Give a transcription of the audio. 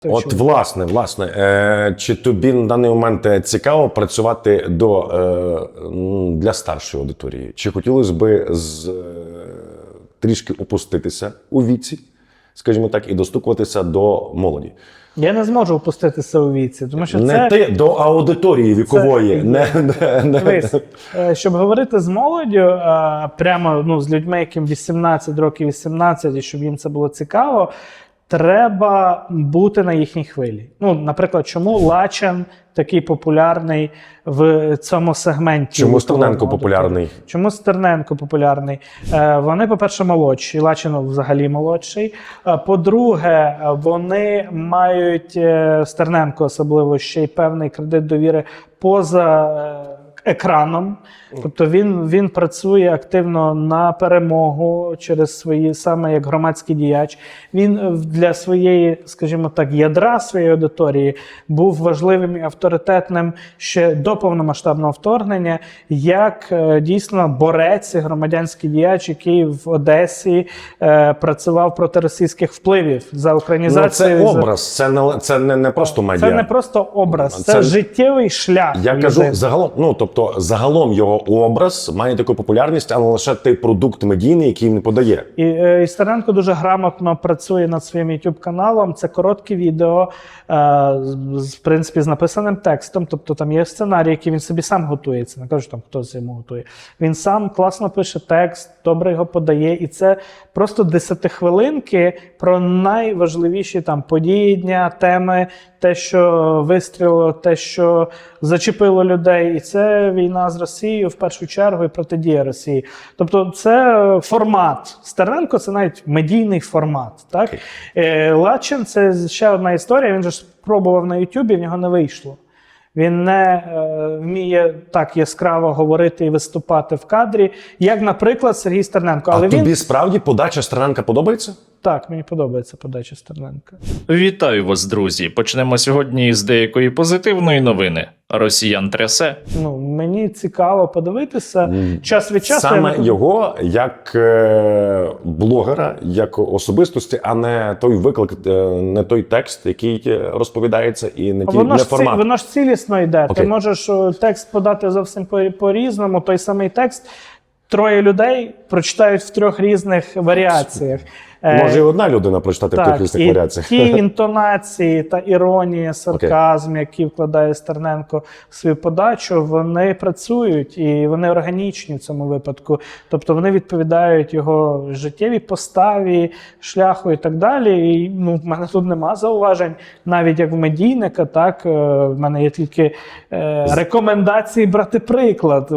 От, власне, чи тобі на даний момент цікаво працювати для старшої аудиторії? Чи хотілося б трішки опуститися у віці, скажімо так, і достукуватися до молоді? Я не зможу опуститися у віці, тому що не ти до аудиторії вікової. Щоб говорити з молоддю, прямо з людьми, яким 18 років, 18, і щоб їм це було цікаво, треба бути на їхній хвилі. Наприклад, чому Лачен такий популярний в цьому сегменті? Чому Стерненко популярний? Чому Стерненко популярний? Вони, по-перше, молодші, Лачен взагалі молодший. По-друге, вони мають, Стерненко особливо, ще й певний кредит довіри поза екраном. Тобто він працює активно на перемогу через свої, саме як громадський діяч. Він для своєї, скажімо так, ядра своєї аудиторії був важливим і авторитетним ще до повномасштабного вторгнення, як дійсно борець і громадянський діяч, який в Одесі працював проти російських впливів за українізацію. Це образ, це не просто медіа. Це не просто образ, це життєвий шлях. Я кажу, загалом його образ має таку популярність, а не лише той продукт медійний, який він подає. І Стерненко дуже грамотно працює над своїм YouTube-каналом. Це короткі відео, в принципі, з написаним текстом. Тобто там є сценарій, який він собі сам готує. Це не кажу, там хтось йому готує. Він сам класно пише текст, добре його подає. І це просто 10-хвилинки про найважливіші там події дня, теми, те, що вистрілило, те, що зачепило людей. І це війна з Росією в першу чергу і протидія Росії. Тобто це формат. Стерненко – це навіть медійний формат. Так? Лачин – це ще одна історія. Він же спробував на Ютубі, в нього не вийшло. Він не вміє так яскраво говорити і виступати в кадрі, як, наприклад, Сергій Стерненко. Але тобі справді подача Стерненка подобається? Так, мені подобається подача Стерненка. Вітаю вас, друзі! Почнемо сьогодні з деякої позитивної новини. Росіян трясе. Мені цікаво подивитися. Час від часу... Саме його як блогера, як особистості, а не той виклик, не той текст, який розповідається, і не формат. Воно ж цілісно йде. Окей. Ти можеш текст подати зовсім по-різному. Той самий текст троє людей прочитають в трьох різних варіаціях. Може і одна людина прочитати в трьох різних варіаціях. Ті інтонації та іронія, сарказм, які вкладає Стерненко в свою подачу, вони працюють і вони органічні в цьому випадку. Тобто вони відповідають його життєвій поставі, шляху і так далі. І в мене тут нема зауважень, навіть як в медійника, так, в мене є тільки рекомендації брати приклад.